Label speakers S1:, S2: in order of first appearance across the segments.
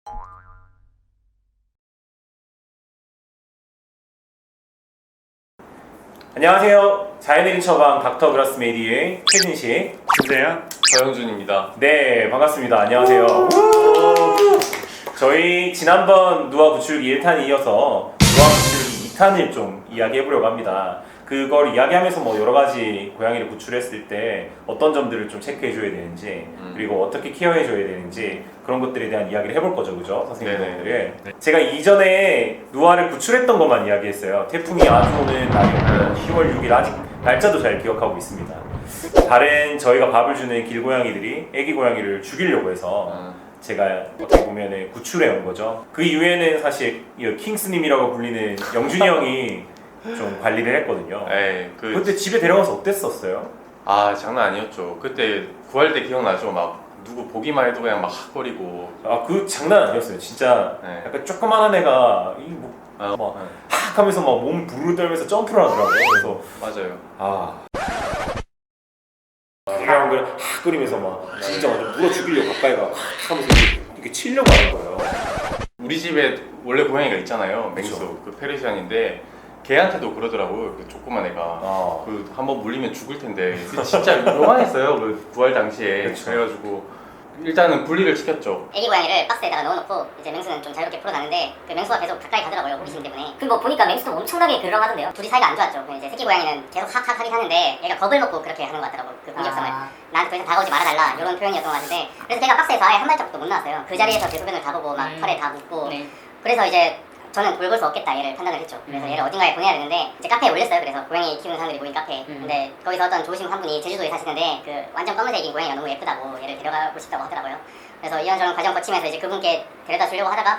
S1: 안녕하세요. 자연의린 처방 닥터 그라스 메디의 최진식,
S2: 주세요.
S3: 서영준입니다.
S1: 네, 반갑습니다. 안녕하세요. 저희 지난번 누아 구출기 1탄에 이어서 누아 구출기 2탄을 좀 이야기해보려고 합니다. 그걸 이야기하면서 뭐 여러 가지 고양이를 구출했을 때 어떤 점들을 좀 체크해줘야 되는지, 그리고 어떻게 케어해줘야 되는지 그런 것들에 대한 이야기를 해볼 거죠, 그죠? 선생님들을.
S2: 네.
S1: 제가 이전에 누아를 구출했던 것만 이야기했어요. 태풍이 아주 오는 날이었고 10월 6일 아직 날짜도 잘 기억하고 있습니다. 다른 저희가 밥을 주는 길고양이들이 애기 고양이를 죽이려고 해서 제가 어떻게 보면 구출해 온 거죠. 그 이후에는 사실 이 킹스님이라고 불리는 영준이 형이 좀 관리를 했거든요.
S3: 에이,
S1: 그때 집에 데려가서 어땠었어요?
S3: 아, 장난 아니었죠. 그때 구할 때 기억나죠? 막 누구 보기만 해도 그냥 막 헉거리고.
S1: 아, 그 장난 아니었어요. 진짜
S3: 네.
S1: 약간 조그만한 애가 막 하면서 막 몸 부르르 떨면서 점프를 하더라고요. 그래서
S3: 맞아요.
S1: 그냥 끓이면서 막 진짜 완전 물어 죽이려고 가까이 가 하면서 이렇게 치려고 하는 거예요.
S3: 우리 집에 원래 고양이가 있잖아요. 맹수.
S1: 그쵸.
S3: 그 페르시안인데 걔한테도 그러더라고요. 그 조그만 애가.
S1: 아,
S3: 그 한번 물리면 죽을 텐데 진짜 요만했어요. 그 구할 당시에.
S1: 그쵸.
S3: 그래가지고 일단은 분리를 시켰죠.
S4: 애기 고양이를 박스에다가 넣어놓고 이제 맹수는 좀 자유롭게 풀어나는데 그 맹수가 계속 가까이 가더라고요, 호기심 때문에. 그 뭐 보니까 맹수도 엄청나게 그러하던데요. 둘이 사이가 안 좋았죠. 이제 새끼 고양이는 계속 학학 하긴 하는데 얘가 겁을 먹고 그렇게 하는 것 같더라고. 그 공격성을 나한테 더 이상 다가오지 말아달라 이런 표현이었던 것 같은데, 그래서 걔가 박스에서 아예 한 발자국도 못 나왔어요. 그 자리에서 대소변을 다 보고 막 털에 다 묻고. 그래서 이제 저는 돌볼 수 없겠다 얘를 판단을 했죠. 그래서 얘를 어딘가에 보내야 되는데 이제 카페에 올렸어요. 그래서 고양이 키우는 사람들이 모인 카페에. 근데 거기서 어떤 좋으신 한 분이 제주도에 사시는데 그 완전 검은색인 고양이가 너무 예쁘다고 얘를 데려가고 싶다고 하더라고요. 그래서 이런저런 과정 거치면서 이제 그분께 데려다 주려고 하다가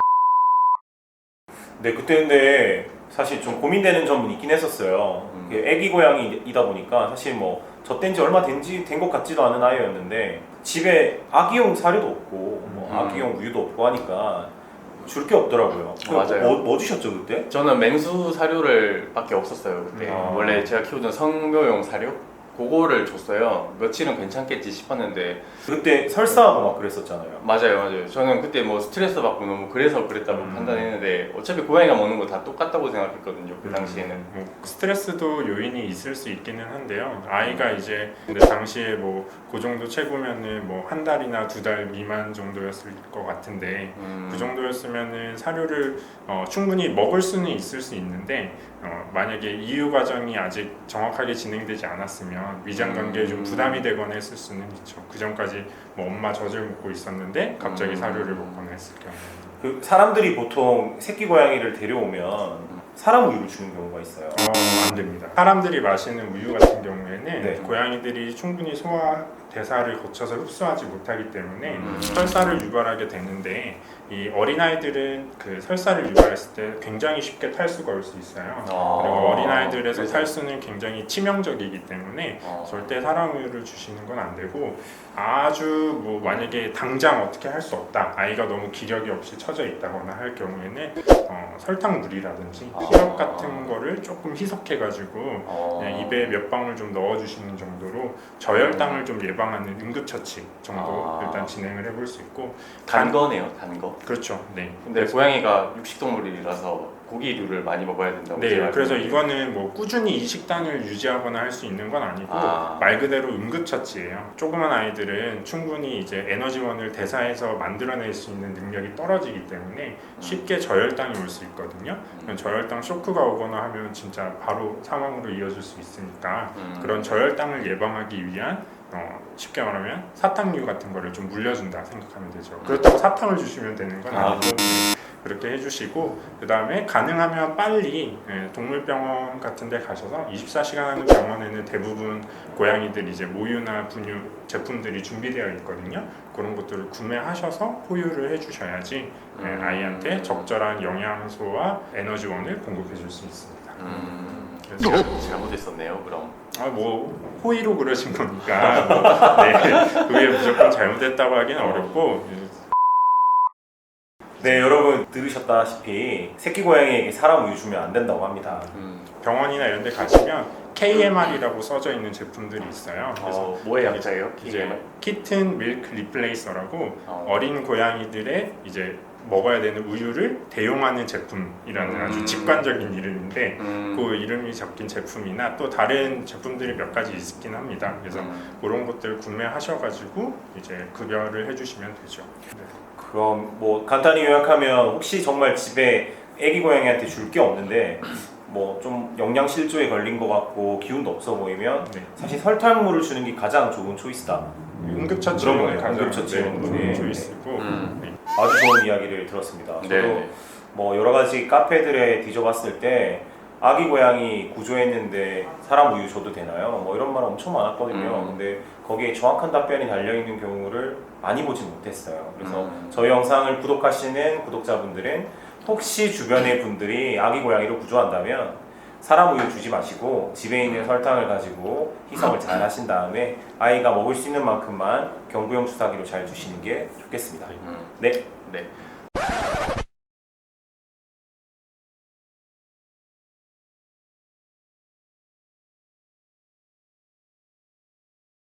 S1: 네, 그때 근데 사실 좀 고민되는 점은 있긴 했었어요. 애기 고양이이다 보니까 사실 뭐 젖된 지 얼마 된 것 같지도 않은 아이였는데 집에 아기용 사료도 없고 뭐 아기용 우유도 없고 하니까 줄 게 없더라고요.
S3: 맞아요.
S1: 뭐 주셨죠 그때?
S3: 저는 맹수 사료를 밖에 없었어요 그때. 원래 제가 키우던 성묘용 사료? 그거를 줬어요. 며칠은 괜찮겠지 싶었는데.
S1: 그때 설사하고 막 그랬었잖아요.
S3: 맞아요. 저는 그때 뭐 스트레스 받고 너무 그래서 그랬다고 판단했는데 어차피 고양이가 먹는 거 다 똑같다고 생각했거든요. 그 당시에는.
S2: 뭐 스트레스도 요인이 있을 수 있기는 한데요. 아이가 이제 근데 당시에 뭐 그 정도 체구면은 뭐 한 달이나 2달 미만 정도였을 것 같은데 그 정도였으면은 사료를 충분히 먹을 수는 있을 수 있는데 만약에 이유 과정이 아직 정확하게 진행되지 않았으면 위장 관계에 좀 부담이 되거나 했을 수는 있죠. 그 전까지 뭐 엄마 젖을 먹고 있었는데 갑자기 사료를 먹거나 했을 경우.
S1: 그 사람들이 보통 새끼 고양이를 데려오면 사람 우유를 주는 경우가 있어요.
S2: 안 됩니다. 사람들이 마시는 우유 같은 경우에는
S1: 네.
S2: 고양이들이 충분히 소화 대사를 거쳐서 흡수하지 못하기 때문에 설사를 유발하게 되는데 이 어린아이들은 그 설사를 유발했을 때 굉장히 쉽게 탈수가 올 수 있어요. 그리고 어린아이들에서
S3: 그래서.
S2: 탈수는 굉장히 치명적이기 때문에 절대 사람 우유를 주시는 건 안 되고, 아주 뭐 만약에 당장 어떻게 할 수 없다, 아이가 너무 기력이 없이 처져 있다거나 할 경우에는 설탕물이라든지 시럽 같은 거를 조금 희석해가지고 그냥 입에 몇 방울 좀 넣어주시는 정도로 저혈당을 좀 예방하는 응급처치 정도 일단 진행을 해볼 수 있고.
S3: 단 거네요, 단 거.
S2: 그렇죠. 네.
S3: 근데 고양이가 육식동물이라서 고기류를 많이 먹어야 된다고.
S2: 네,
S3: 제가
S2: 그래서
S3: 알고
S2: 이거는 뭐 꾸준히 이 식단을 유지하거나 할 수 있는 건 아니고 말 그대로 응급처치예요. 조그만 아이들은 충분히 이제 에너지원을 대사해서 만들어낼 수 있는 능력이 떨어지기 때문에 쉽게 저혈당이 올 수 있거든요. 저혈당 쇼크가 오거나 하면 진짜 바로 사망으로 이어질 수 있으니까 그런 저혈당을 예방하기 위한 쉽게 말하면 사탕류 같은 거를 좀 물려준다 생각하면 되죠. 그렇다고 사탕을 주시면 되는 건 아니고 그렇게 해주시고, 그 다음에 가능하면 빨리 동물병원 같은 데 가셔서 24시간 하는 병원에는 대부분 고양이들 이제 모유나 분유 제품들이 준비되어 있거든요. 그런 것들을 구매하셔서 포유를 해주셔야지 아이한테 적절한 영양소와 에너지원을 공급해 줄 수 있습니다.
S3: 제가 잘못했었네요, 그럼.
S2: 뭐 호의로 그러신 거니까 네, 그게 무조건 잘못했다고 하기는 어렵고.
S1: 네, 여러분 들으셨다시피 새끼 고양이에게 사람 우유 주면 안 된다고 합니다.
S2: 병원이나 이런 데 가시면 KMR이라고 써져 있는 제품들이 있어요. 그래서
S3: 뭐의 약자예요?
S2: 이제 키튼 밀크 리플레이서라고 어린 고양이들의 이제 먹어야 되는 우유를 대용하는 제품이라는 아주 직관적인 이름인데 그 이름이 적힌 제품이나 또 다른 제품들이 몇 가지 있긴 합니다. 그래서 그런 것들 구매하셔가지고 이제 급여를 해주시면 되죠. 네.
S1: 그럼 뭐 간단히 요약하면 혹시 정말 집에 애기 고양이한테 줄 게 없는데 뭐 좀 영양 실조에 걸린 것 같고 기운도 없어 보이면
S2: 네.
S1: 사실 설탕물을 주는 게 가장 좋은 초이스다.
S2: 응급처치는
S1: 그런 거예요.
S2: 가장
S1: 응급처치는
S2: 좋은
S1: 네.
S2: 초이스고 네.
S1: 아주 좋은 이야기를 들었습니다. 저도
S3: 네.
S1: 뭐 여러 가지 카페들에 뒤져봤을 때 아기 고양이 구조했는데 사람 우유 줘도 되나요? 뭐 이런 말 엄청 많았거든요. 근데 거기에 정확한 답변이 달려있는 경우를 많이 보진 못했어요. 그래서 저희 영상을 구독하시는 구독자분들은 혹시 주변의 분들이 아기 고양이를 구조한다면 사람 우유 주지 마시고 집에 있는 설탕을 가지고 희석을 잘 하신 다음에 아이가 먹을 수 있는 만큼만 경구용 주사기로 잘 주시는 게 좋겠습니다. 네.
S3: 네.